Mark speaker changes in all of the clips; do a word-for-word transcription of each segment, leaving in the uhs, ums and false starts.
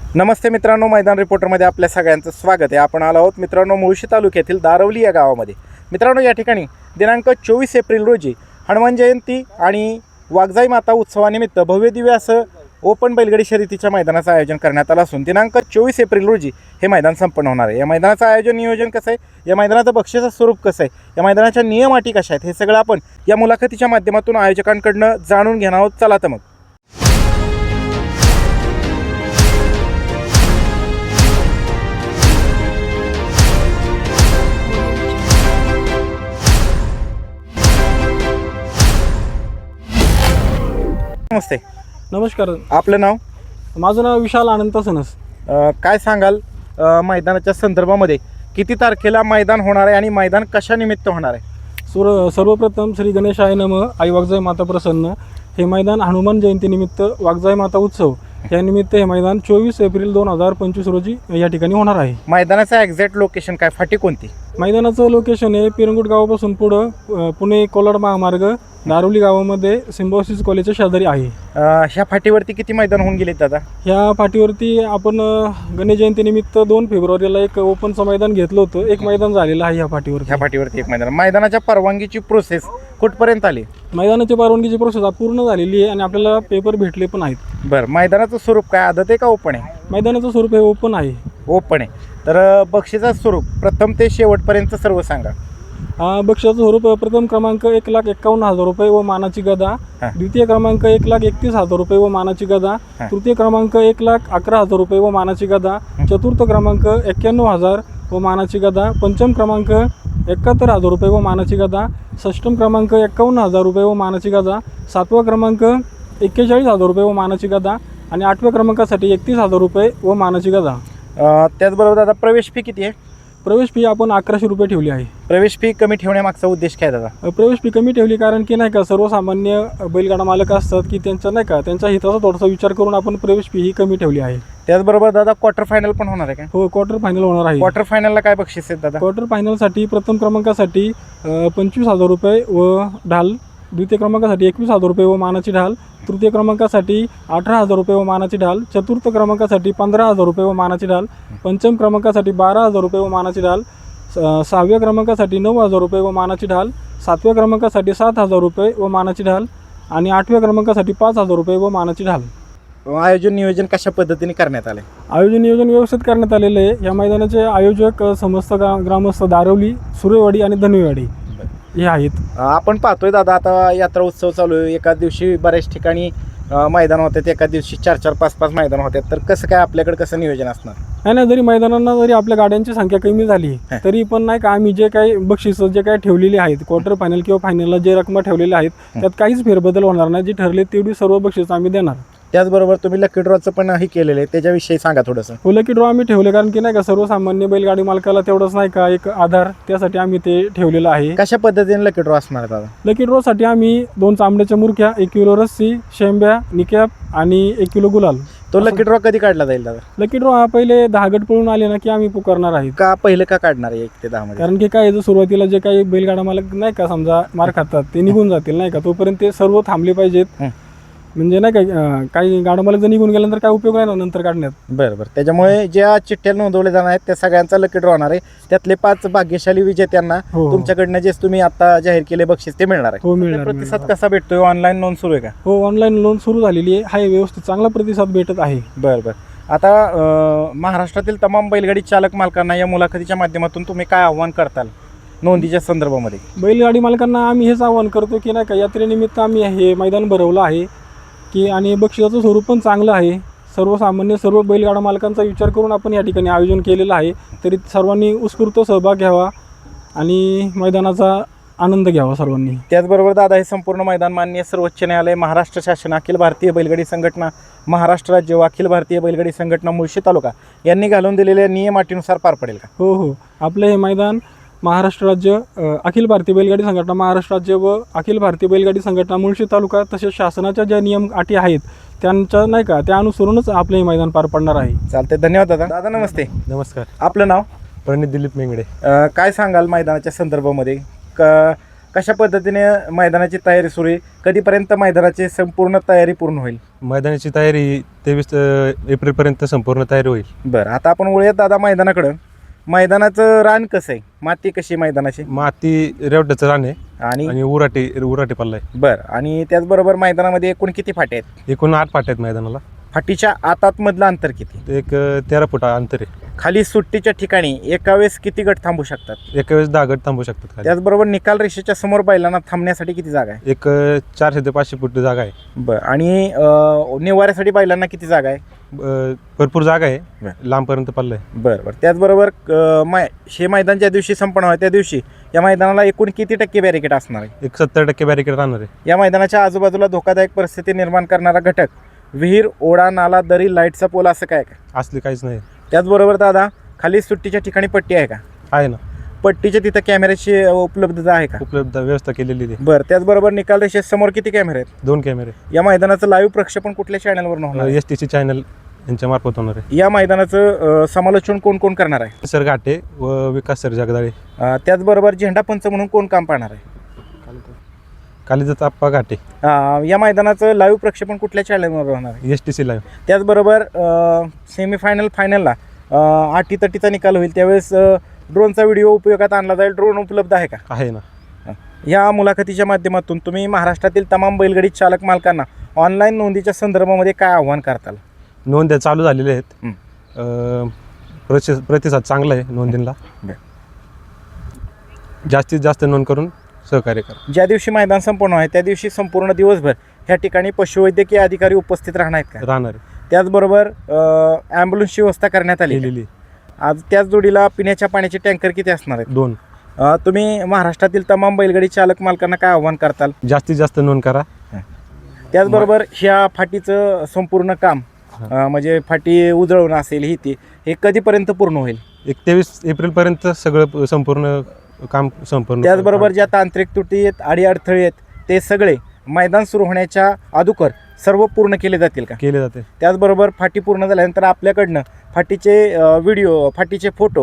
Speaker 1: नमस्ते मित्रांनो, मैदान रिपोर्टरमध्ये आपल्या सगळ्यांचं स्वागत आहे। आपण आलो आहोत मित्रांनो मुळशी तालुक्यातील दारवली या गावामध्ये। मित्रांनो या ठिकाणी दिनांक चोवीस एप्रिल रोजी हनुमान जयंती आणि वाघजाई माता उत्सवानिमित्त भव्य दिव्य असं ओपन बैलगाडी शर्यतीच्या मैदानाचं आयोजन करण्यात आलं असून दिनांक चोवीस एप्रिल रोजी हे मैदान संपन्न होणार आहे। या मैदानाचं आयोजन नियोजन कसं आहे, या मैदानाचं बक्षीचं स्वरूप कसं आहे, या मैदानाच्या नियम अटी कशा आहेत, हे सगळं आपण या मुलाखतीच्या माध्यमातून आयोजकांकडून जाणून घेणार आहोत। चला तर मग नमस्ते।
Speaker 2: नमस्कार,
Speaker 1: आपलं नाव?
Speaker 2: माझं नाव विशाल अनंत सनस।
Speaker 1: अ, काय सांगाल अ, मैदानाच्या संदर्भामध्ये किती तारखेला मैदान होणार आहे आणि मैदान कशा निमित्त होणार आहे?
Speaker 2: सुर सर्वप्रथम श्री गणेशाय नमः। आई वाघजाई माता प्रसन्न। हे मैदान हनुमान जयंतीनिमित्त वाघजाई माता उत्सव या निमित्त हे मैदान चोवीस एप्रिल दोन हजार पंचवीस रोजी या ठिकाणी होणार आहे।
Speaker 1: मैदानाचं एक्झॅक्ट लोकेशन काय, फाटी कोणती?
Speaker 2: मैदानाचं लोकेशन आहे पिरंगुट गावापासून पुढं अ, पुणे कोलाड महामार्ग दारवली गावामध्ये सिम्बॉसिस कॉलेजच्या शेजारी आहे।
Speaker 1: अ, ह्या फाटीवरती किती मैदान होऊन गेले दादा?
Speaker 2: ह्या फाटीवरती आपण अ, गणेश जयंतीनिमित्त दोन फेब्रुवारीला एक ओपनचं मैदान घेतलं होतं। एक मैदान झालेलं आहे ह्या फाटीवर।
Speaker 1: ह्या फाटीवरती एक मैदान। मैदानाच्या परवानगीची प्रोसेस कुठपर्यंत आली?
Speaker 2: मैदानाची परवानगीची प्रोसेस पूर्ण झालेली आहे आणि आपल्याला पेपर भेटले पण आहेत।
Speaker 1: बरं, मैदानाचं स्वरूप काय, आदत आहे का ओपन आहे?
Speaker 2: मैदानाचं स्वरूप हे ओपन आहे।
Speaker 1: ओपन आहे। तर अ, बक्षीचं स्वरूप प्रथम ते शेवटपर्यंत सर्व सांगा।
Speaker 2: हा बक्षाचं स्वरूप प्रथम क्रमांक एक लाख एक्कावन्न हजार रुपये व मानाची गदा।
Speaker 1: हा.
Speaker 2: द्वितीय क्रमांक एक लाख एकतीस हजार रुपये व मानाची गदा।
Speaker 1: हा.
Speaker 2: तृतीय क्रमांक एक लाख अकरा हजार रुपये व मानाची गदा। चतुर्थ क्रमांक एक्क्याण्णव हजार व मानाची गदा। पंचम क्रमांक एकाहत्तर हजार रुपये व मानाची गदा। षष्टम क्रमांक एक्कावन्न हजार रुपये व मानाची गदा। सातवा क्रमांक एक्केचाळीस हजार रुपये व मानाची गदा आणि आठव्या क्रमांकासाठी एकतीस हजार रुपये व मानाची गदा।
Speaker 1: अ, त्याचबरोबर दादा प्रवेश फी किती आहे?
Speaker 2: प्रवेश फी आपण अकराशे रुपये ठेवली आहे।
Speaker 1: प्रवेश फी कमी ठेवण्यामागचा उद्देश काय दादा?
Speaker 2: प्रवेश फी कमी ठेवली कारण की नाही का सर्वसामान्य बैलगाडा मालक असतात की त्यांचा नाही का त्यांच्या हिताचा थोडासा विचार करून आपण प्रवेश फी ही कमी ठेवली आहे।
Speaker 1: त्याचबरोबर दादा क्वार्टर फायनल पण होणार आहे का?
Speaker 2: हो, क्वार्टर फायनल होणार आहे।
Speaker 1: क्वार्टर फायनलला काय बक्षीस आहेत दादा?
Speaker 2: क्वार्टर फायनलसाठी प्रथम क्रमांकासाठी अ, पंचवीस हजार रुपये व ढाल। द्वितीय क्रमांकासाठी एकवीस हजार रुपये व मानाची ढाल। तृतीय क्रमांकासाठी अठरा हजार रुपये व मानाची ढाल। चतुर्थ क्रमांकासाठी पंधरा हजार रुपये व मानाची ढाल। पंचम क्रमांकासाठी बारा हजार रुपये व मानाची ढाल। सहाव्या क्रमांकासाठी नऊ हजार रुपये व मानाची ढाल। सातव्या क्रमांकासाठी सात हजार रुपये व मानाची ढाल आणि आठव्या क्रमांकासाठी पाच हजार रुपये व मानाची ढाल।
Speaker 1: आयोजन नियोजन कशा पद्धतीने करण्यात आले?
Speaker 2: आयोजन नियोजन व्यवस्थित करण्यात आलेले आहे। या मैदानाचे आयोजक समस्त ग्रा ग्रामस्थ दारवली, सुरेवाडी आणि धनवेवाडी हे आहेत।
Speaker 1: आपण पाहतोय दादा आता यात्रा उत्सव चालू आहे, एका दिवशी बऱ्याच ठिकाणी अ, मैदान होतात, एका दिवशी चार चार पाच पाच मैदान होतात, तर कसं काय आपल्याकडे कसं नियोजन असणार?
Speaker 2: नाही नाही, जरी मैदानांना जरी आपल्या गाड्यांची संख्या कमी झाली तरी पण नाही का आम्ही जे काही बक्षीस जे काही ठेवलेले आहेत क्वार्टर फायनल किंवा फायनलला जे रकमा ठेवलेल्या आहेत त्यात काहीच फेरबदल होणार नाही। जी ठरले तेवढी सर्व बक्षीस आम्ही देणार।
Speaker 1: त्याचबरोबर तुम्ही लकी ड्रॉचं पण हे केलेलं आहे, त्याच्याविषयी सांगा थोडंसं।
Speaker 2: हो, लकी ड्रॉ आम्ही ठेवले कारण की नाही का सर्वसामान्य बैलगाडी मालकाला तेवढंच नाही का एक आधार, त्यासाठी आम्ही ते ठेवलेलं आहे।
Speaker 1: कशा पद्धतीने लकी ड्रॉ असणार दादा?
Speaker 2: लकी ड्रॉसाठी आम्ही दोन चांबड्याच्या मुरख्या, एक किलो रस्सी, शेंब्या, निकॅप आणि एक किलो गुलाल।
Speaker 1: तो लकी ड्रॉ कधी काढला जाईल दादा?
Speaker 2: लकी ड्रॉ हा पहिले दहा गट पळून आले ना की आम्ही पुकारणार आहे।
Speaker 1: का पहिलं का काढणार आहे एक ते दहा मध्ये?
Speaker 2: कारण की काय जर सुरुवातीला जे काही बैलगाडा मालक नाही का समजा मार खातात ते निघून जातील नाही का, तोपर्यंत ते सर्व थांबले पाहिजेत। म्हणजे नाही का अं, काही गाडा मालक जर निघून गेल्यानंतर काय उपयोग नाही ना नंतर काढण्यात।
Speaker 1: बरं बरं, त्याच्यामुळे ज्या चिठ्ठ्या नोंदवले जाणार आहेत त्या सगळ्यांचा लकी ड्रॉ होणार आहे। त्यातले पाच भाग्यशाली विजेत्यांना
Speaker 2: हो, हो.
Speaker 1: तुमच्याकडनं जे तुम्ही आता जाहीर केले बक्षीस ते मिळणार आहे।
Speaker 2: हो, मिळणार,
Speaker 1: प्रतिसाद
Speaker 2: मिळणार।
Speaker 1: कसा भेटतोय? ऑनलाईन नोंद सुरू आहे का?
Speaker 2: हो, ऑनलाईन नोंद सुरू झालेली आहे। हाय, व्यवस्थित चांगला प्रतिसाद भेटत आहे।
Speaker 1: बरं बरं, आता अं, महाराष्ट्रातील तमाम बैलगाडी चालक मालकांना या मुलाखतीच्या माध्यमातून तुम्ही काय आव्हान करताल नोंदीच्या संदर्भामध्ये?
Speaker 2: बैलगाडी मालकांना आम्ही हेच आवाहन करतो की नाही का यात्रेनिमित्त आम्ही हे मैदान भरवलं आहे की आणि बक्षिसाचं स्वरूप पण चांगलं आहे। सर्वसामान्य सर्व बैलगाडा मालकांचा विचार करून आपण या ठिकाणी आयोजन केलेलं आहे, तरी सर्वांनी उत्स्फूर्त सहभाग घ्यावा आणि मैदानाचा आनंद घ्यावा सर्वांनी।
Speaker 1: त्याचबरोबर दादा हे संपूर्ण मैदान माननीय सर्वोच्च न्यायालय, महाराष्ट्र शासन, अखिल भारतीय बैलगाडी संघटना, महाराष्ट्र राज्य व अखिल भारतीय बैलगाडी संघटना मुळशी तालुका यांनी घालून दिलेल्या नियम अटीनुसार पार पडेल का?
Speaker 2: हो हो, आपलं हे मैदान महाराष्ट्र राज्य अ, अखिल भारतीय बैलगाडी संघटना महाराष्ट्र राज्य व अखिल भारतीय बैलगाडी संघटना मुळशी तालुका तसेच शासनाच्या ज्या नियम अटी आहेत त्यांच्या नाही का त्या अनुसरूनच आपले हे मैदान पार पडणार आहे।
Speaker 1: चालते, धन्यवाद दादा। दादा नमस्ते।
Speaker 3: नमस्कार,
Speaker 1: आपलं नाव?
Speaker 3: प्रणित दिलीप मेंगडे।
Speaker 1: अ, काय सांगाल मैदानाच्या संदर्भामध्ये? क कशा पद्धतीने मैदानाची तयारी सुरू आहे, कधीपर्यंत मैदानाची संपूर्ण तयारी पूर्ण होईल?
Speaker 3: मैदानाची तयारी तेवीस एप्रिलपर्यंत संपूर्ण तयारी होईल.
Speaker 1: बरं, आता आपण वळूयात दादा मैदानाकडं. मैदानाचं रान कसं आहे, माती कशी आहे मैदानाची?
Speaker 3: माती रेवट्याचं रान आहे
Speaker 1: आणि
Speaker 3: आणि उराटी उराटी पल्ला आहे.
Speaker 1: बरं, आणि त्याचबरोबर मैदानामध्ये एकूण किती फाटे आहेत?
Speaker 3: एकूण आठ पाट्या आहेत मैदानाला.
Speaker 1: फाटीच्या आतात मधलं अंतर किती?
Speaker 3: ते एक अ, तेरा फूट अंतर आहे.
Speaker 1: खाली सुट्टीच्या ठिकाणी एका वेळेस किती गट थांबू शकतात?
Speaker 3: एका वेळेस दहा गट थांबू शकतात खाली.
Speaker 1: त्याचबरोबर निकाल रेषेच्या समोर बैलांना थांबण्यासाठी किती जागा आहे?
Speaker 3: एक अ, चारशे ते पाचशे फूट जागा आहे.
Speaker 1: बरं, आणि अं, निवाऱ्यासाठी बैलांना किती जागा आहे?
Speaker 3: अ, भरपूर जागा आहे.
Speaker 1: बरं.
Speaker 3: लांबपर्यंत पल्ला आहे.
Speaker 1: बरं बरं, त्याचबरोबर अं, मै हे मैदान ज्या दिवशी संपन्न आहे त्या दिवशी या मैदानाला एकूण किती टक्के बॅरिकेड असणार आहे?
Speaker 3: एक सत्तर टक्के बॅरिकेड राहणार आहे.
Speaker 1: या मैदानाच्या आजूबाजूला धोकादायक परिस्थिती निर्माण करणारा घटक, विहीर, ओढा, नाला, दरी, लाईटचा पोल असं काय का?
Speaker 3: असले काहीच नाही.
Speaker 1: त्याचबरोबर दादा खाली सुट्टीच्या ठिकाणी पट्टी आहे का?
Speaker 3: आहे ना,
Speaker 1: पट्टीच्या तिथं कॅमेऱ्याची उपलब्धता आहे का?
Speaker 3: उपलब्ध व्यवस्था केलेली आहे.
Speaker 1: बरं, त्याचबरोबर निकाल रेषे समोर किती कॅमेरे आहेत?
Speaker 3: दोन कॅमेरे.
Speaker 1: या मैदानाचं लाईव्ह प्रक्षेपण कुठल्या चॅनलवर होणार आहे?
Speaker 3: एस टी सी चॅनल यांच्या मार्फत होणार आहे.
Speaker 1: या मैदानाचं अं, समालोचन कोण कोण करणार आहे?
Speaker 3: सर घाटे व विकास सर जगदाळे.
Speaker 1: अं, त्याचबरोबर झेंडा पंच म्हणून कोण काम पाहणार आहे?
Speaker 3: कालिदास आप्पा घाटे.
Speaker 1: अं, या मैदानाचं लाईव्ह प्रक्षेपण कुठल्या चॅनलवर होणार आहे?
Speaker 3: S T C live.
Speaker 1: त्याचबरोबर सेमीफायनल फायनलला अटीतटीचा निकाल होईल त्यावेळेस ड्रोनचा व्हिडिओ उपयोगात आणला जाईल. ड्रोन उपलब्ध आहे का?
Speaker 3: आहे ना.
Speaker 1: या मुलाखतीच्या माध्यमातून तुम्ही महाराष्ट्रातील तमाम बैलगाडी चालक मालकांना ऑनलाईन नोंदीच्या संदर्भामध्ये काय आव्हान करताल?
Speaker 3: नोंद्या चालू झालेल्या आहेत.
Speaker 1: हं.
Speaker 3: अ, प्रति प्रतिसाद चांगला आहे नोंदींना.
Speaker 1: बरं.
Speaker 3: जास्तीत जास्त नोंद करून सहकार्य करा.
Speaker 1: ज्या दिवशी मैदान संपन्न आहे त्या दिवशी संपूर्ण दिवसभर ह्या ठिकाणी पशुवैद्यकीय अधिकारी उपस्थित राहणार आहेत का?
Speaker 3: राहणार आहे.
Speaker 1: त्याचबरोबर ॲम्ब्युलन्सची व्यवस्था करण्यात आली आहे.
Speaker 3: केलेली
Speaker 1: आज त्याच जोडीला पिण्याच्या पाण्याचे टँकर किती असणार आहेत?
Speaker 3: दोन.
Speaker 1: अ, तुम्ही महाराष्ट्रातील तमाम बैलगाडी चालक मालकांना काय आव्हान करताल?
Speaker 3: जास्तीत जास्त नोंद करा.
Speaker 1: त्याचबरोबर ह्या फाटीचं संपूर्ण काम अ, म्हणजे फाटी उजळवणं असेल ही ती हे कधीपर्यंत पूर्ण होईल?
Speaker 3: एक तेवीस एप्रिलपर्यंत सगळं संपूर्ण काम संपूर्ण.
Speaker 1: त्याचबरोबर ज्या तांत्रिक त्रुटी आहेत, अडीअडथळे आहेत ते सगळे मैदान सुरू होण्याच्या अगोदर सर्व पूर्ण केले जातील का?
Speaker 3: केले जाते.
Speaker 1: त्याचबरोबर फाटी पूर्ण झाल्यानंतर आपल्याकडनं फाटीचे व्हिडिओ, फाटीचे फोटो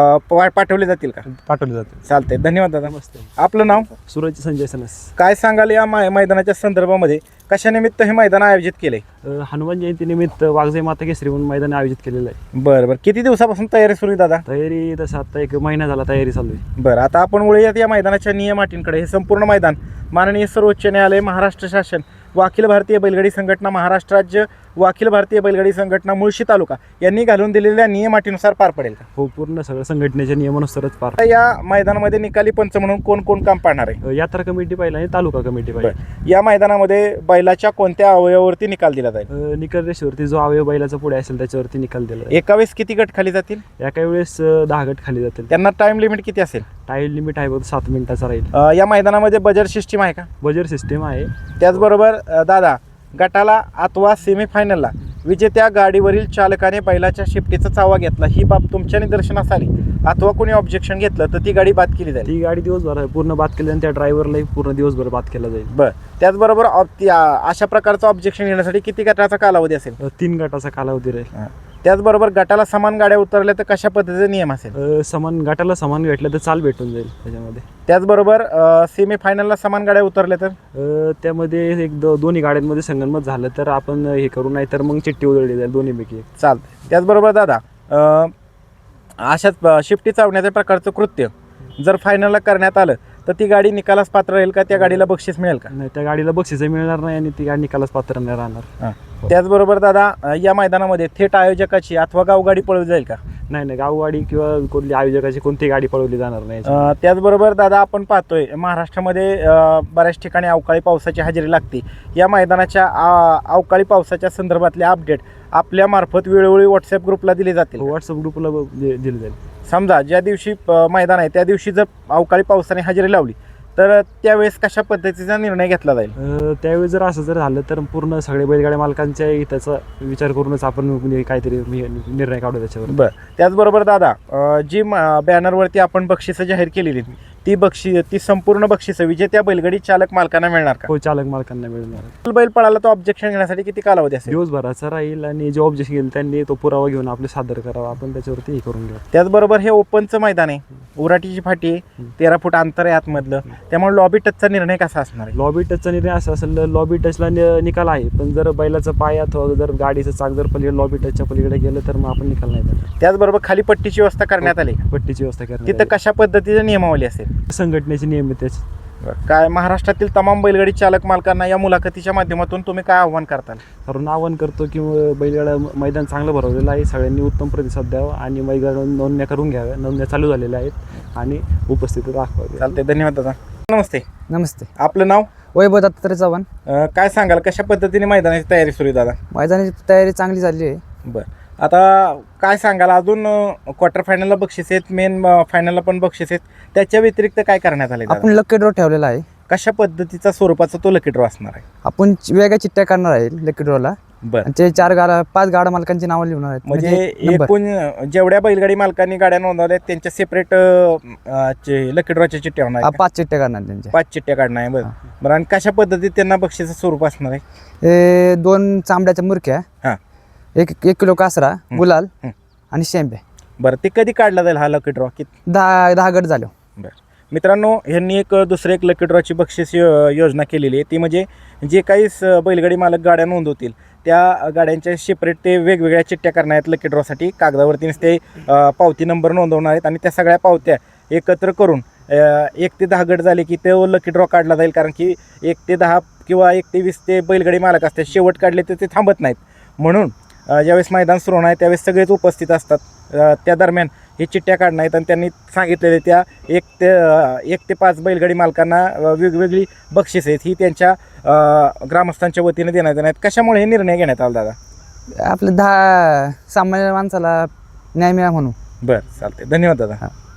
Speaker 1: पाठवले जातील का?
Speaker 3: पाठवले जाते.
Speaker 1: चालते, धन्यवाद दादा. आपलं नाव?
Speaker 2: सूरज संजय सनस.
Speaker 1: काय सांगाल या मै मैदानाच्या संदर्भामध्ये? कशानिमित्त हे मैदान आयोजित केले?
Speaker 2: हनुमान जयंतीनिमित्त वाघजाई माता केसरी म्हणून मैदान आयोजित केलेलं आहे.
Speaker 1: बरं बरं, किती दिवसापासून तयारी सुरू आहे दादा?
Speaker 2: तयारी तसं आता एक महिना झाला तयारी चालू आहे.
Speaker 1: बरं, आता आपण वळूयात या मैदानाच्या नियम अटींकडे. हे संपूर्ण मैदान माननीय सर्वोच्च न्यायालय, महाराष्ट्र शासन व अखिल भारतीय बैलगाडी संघटना, महाराष्ट्र राज्य व अखिल भारतीय बैलगाडी संघटना मुळशी तालुका यांनी घालून दिलेल्या नियम अटीनुसार पार पडेल का?
Speaker 2: हो, पूर्ण सगळं संघटनेच्या नियमानुसारच पार.
Speaker 1: आता या मैदानामध्ये निकाली पंच म्हणून कोण कोण काम पाहणार आहे?
Speaker 2: यात्रा कमिटी पाहिजे आणि तालुका कमिटी पाहिजे.
Speaker 1: या मैदानामध्ये बैलाच्या कोणत्या अवयवावरती निकाल दिला जाईल?
Speaker 2: निकाल रेषेवरती जो अवयव बैलाचा पुढे असेल त्याच्यावरती निकाल दिला जाईल.
Speaker 1: एका वेळेस किती गट खाली जातील?
Speaker 2: एका वेळेस अ, दहा गट खाली जातील.
Speaker 1: त्यांना टाइम लिमिट किती असेल?
Speaker 2: टाईल लिमिट आहे बघ सात मिनिटाचा राहील.
Speaker 1: अ, या मैदानामध्ये बजेट सिस्टीम आहे का?
Speaker 2: बजर सिस्टीम आहे.
Speaker 1: त्याचबरोबर अ, दादा गटाला अथवा सेमीफायनलला विजेत्या गाडीवरील चालकाने बैलाच्या शिफ्टीचा चावा घेतला, ही बाब तुमच्या निदर्शनास आली अथवा कोणी ऑब्जेक्शन घेतलं तर ती गाडी बाद केली जाईल?
Speaker 2: ती गाडी दिवसभर पूर्ण बाद केली आणि त्या ड्रायव्हरलाही पूर्ण दिवसभर बाद केला जाईल.
Speaker 1: बरं, त्याचबरोबर ऑब- ती- आ- अशा प्रकारचं ऑब्जेक्शन घेण्यासाठी किती गटाचा कालावधी असेल?
Speaker 2: अ, तीन गटाचा कालावधी राहील.
Speaker 1: त्याचबरोबर गटाला समान गाड्या उतरल्या तर कशा पद्धतीचे नियम असेल?
Speaker 2: अ, समान गटाला समान भेटलं तर चाल भेटून जाईल त्याच्यामध्ये.
Speaker 1: त्याचबरोबर सेमीफायनलला समान गाड्या उतरल्या तर?
Speaker 2: अ, त्यामध्ये एक दो दोन्ही गाड्यांमध्ये संगनमत झालं तर आपण हे करू, नाही तर मग चिठ्ठी उधळली जाईल दोन्हीपैकी एक.
Speaker 1: चालतं. त्याचबरोबर दादा अ, अशाच प- शिफ्टी चावण्याच्या प्रकारचं कृत्य जर फायनलला करण्यात आलं तर ती गाडी निकालास पात्र राहील का? त्या गाडीला बक्षीस मिळेल का?
Speaker 2: नाही, त्या गाडीला बक्षीसही मिळणार नाही आणि ती गाडी निकालास पात्र नाही राहणार.
Speaker 1: त्याचबरोबर दादा अ, या मैदानामध्ये थेट आयोजकाची अथवा गावगाडी पळवली जाईल का?
Speaker 2: नाही नाही, गावगाडी किंवा कोणती आयोजकाची कोणतीही गाडी पळवली जाणार नाही.
Speaker 1: अ, त्याचबरोबर दादा आपण पाहतोय महाराष्ट्रामध्ये अ, बऱ्याच ठिकाणी अवकाळी पावसाची हजेरी लागते. या मैदानाच्या आ, अवकाळी पावसाच्या संदर्भातले अपडेट आपल्या मार्फत वेळोवेळी व्हॉट्सअप ग्रुपला दिले जातील?
Speaker 2: व्हॉट्सअप ग्रुपला दिलं जाईल.
Speaker 1: समजा ज्या दिवशी अ, मैदान आहे त्या दिवशी जर अवकाळी पावसाने हजेरी लावली तर त्यावेळेस कशा पद्धतीचा निर्णय घेतला जाईल?
Speaker 2: अ, त्यावेळी जर असं जर झालं तर पूर्ण सगळे बैलगाड्या मालकांच्या हिताचा विचार करूनच आपण म्हणजे काहीतरी नि- निर्णय काढू त्याच्यावर.
Speaker 1: बरं, त्याचबरोबर दादा अ, जी म- बॅनरवरती आपण बक्षिसं जाहीर केलेली ती बक्षी ती संपूर्ण बक्षिसं विजेत्या बैलगाडी चालक मालकांना मिळणार का?
Speaker 4: हो, चालक मालकांना मिळणार.
Speaker 1: बैल पळाला तो ऑब्जेक्शन घेण्यासाठी किती कालावधी असेल?
Speaker 4: दिवसभराचा राहील आणि जे ऑब्जेक्शन येईल त्यांनी तो पुरावा घेऊन आपले सादर करावा, आपण त्याच्यावरती हे करून घेऊ.
Speaker 1: त्याचबरोबर हे ओपनचं मैदान आहे, उराटीची फाटी आहे, तेरा फूट अंतर आहे आतमधलं, त्यामुळे लॉबी टचचा निर्णय कसा असणार आहे?
Speaker 4: लॉबी टचचा निर्णय असा असेल, लॉबी टचला नि- निकाल आहे, पण जर बैलाचा पाय अथवा जर गाडीचं चाक जर पलीकडे लॉबी टचच्या पलीकडे गेलं तर मग आपण निकाल नाही देणार.
Speaker 1: त्याचबरोबर खाली पट्टीची व्यवस्था करण्यात आली का?
Speaker 4: पट्टीची व्यवस्था करण्यात
Speaker 1: तिथं
Speaker 4: आली.
Speaker 1: कशा पद्धतीची नियमावली असेल?
Speaker 4: संघटनेचे नियम आहेत त्याचे.
Speaker 1: काय महाराष्ट्रातील तमाम बैलगाडी चालक मालकांना या मुलाखतीच्या माध्यमातून तुम्ही काय आव्हान करताल?
Speaker 4: कारण आवाहन करतो की बैलगाडा मैदान चांगलं भरवलेलं आहे, सगळ्यांनी उत्तम प्रतिसाद द्यावा आणि बैलगाडा नोंदण्या करून घ्याव्या. नोंदण्या चालू झालेल्या आहेत आणि उपस्थिती दाखवावी.
Speaker 1: चालते, धन्यवाद दादा. नमस्ते,
Speaker 5: नमस्ते.
Speaker 1: आपलं नाव?
Speaker 5: वैभव दत्तात्रय चव्हाण.
Speaker 1: अं, काय सांगाल कशा पद्धतीने मैदानाची तयारी सुरू आहे दादा?
Speaker 5: मैदानाची तयारी चांगली झाली आहे.
Speaker 1: बरं, आता काय सांगाल अजून क्वार्टर फायनलला बक्षीस आहेत, मेन फायनलला पण बक्षीस आहेत, त्याच्या व्यतिरिक्त काय करण्यात आले?
Speaker 5: आपण लकी ड्रॉ ठेवलेला आहे.
Speaker 1: कशा पद्धतीचा स्वरूपाचा तो लकी ड्रॉ असणार आहे?
Speaker 5: आपण चि- वेगळ्या चिठ्ठ्या करणार आहे लकी ड्रॉला.
Speaker 1: बरं,
Speaker 5: आणि ते चार गाडा पाच गाडा मालकांची नावं लिहणार आहेत.
Speaker 1: म्हणजे
Speaker 5: नंबर.
Speaker 1: एकूण जेवढ्या बैलगाडी मालकांनी गाड्या नोंदवल्या आहेत त्यांच्या सेपरेट लकी ड्रॉच्या चिठ्ठ्या होणार
Speaker 5: हा,
Speaker 1: आहेत का?
Speaker 5: पाच चिठ्ठ्या करणार त्यांच्या.
Speaker 1: पाच चिठ्ठ्या काढणार आहे. बरं बरं, आणि कशा पद्धतीत त्यांना बक्षीचं स्वरूप असणार आहे?
Speaker 5: हे दोन चांबड्याच्या मुरक्या,
Speaker 1: हां,
Speaker 5: एक एक किलो कासरा, गुलाल
Speaker 1: हं.
Speaker 5: आणि शेंबे.
Speaker 1: बरं, ते कधी काढला जाईल हा लकी ड्रॉ? किती?
Speaker 5: दहा दहा गट झालो.
Speaker 1: बरं मित्रांनो, ह्यांनी एक दुसरं एक लकी ड्रॉची बक्षीस यो- योजना केलेली आहे. ती म्हणजे जे काही स- बैलगाडी मालक गाड्या नोंदवतील त्या गाड्यांच्या सेपरेट ते वेगवेगळ्या चिठ्ठ्या करणार आहेत लकी ड्रॉसाठी. कागदावरतीच ते अ, पावती नंबर नोंदवणार आहेत आणि त्या सगळ्या पावत्या एकत्र करून अ, एक ते दहा गट झाले की तो लकी ड्रॉ काढला जाईल. कारण की एक ते दहा किंवा एक ते वीस ते बैलगाडी मालक असतात, शेवट काढले तर ते थांबत नाहीत. म्हणून अ, ज्यावेळेस मैदान सुरू होणार आहे त्यावेळेस सगळेच उपस्थित असतात. अ, त्या दरम्यान हे चिठ्ठ्या काढणार आहेत आणि त्यांनी सांगितलेले त्या एक ते अ, एक ते पाच बैलगाडी मालकांना अ, वेगवेगळी बक्षीस आहेत ही त्यांच्या अ, ग्रामस्थांच्या वतीने देण्यात येणार आहेत. कशामुळे हे निर्णय घेण्यात आला दादा?
Speaker 5: आपल्या दहा सामान्य माणसाला न्याय मिळा म्हणून.
Speaker 1: बरं, चालते, धन्यवाद दादा.
Speaker 5: हां.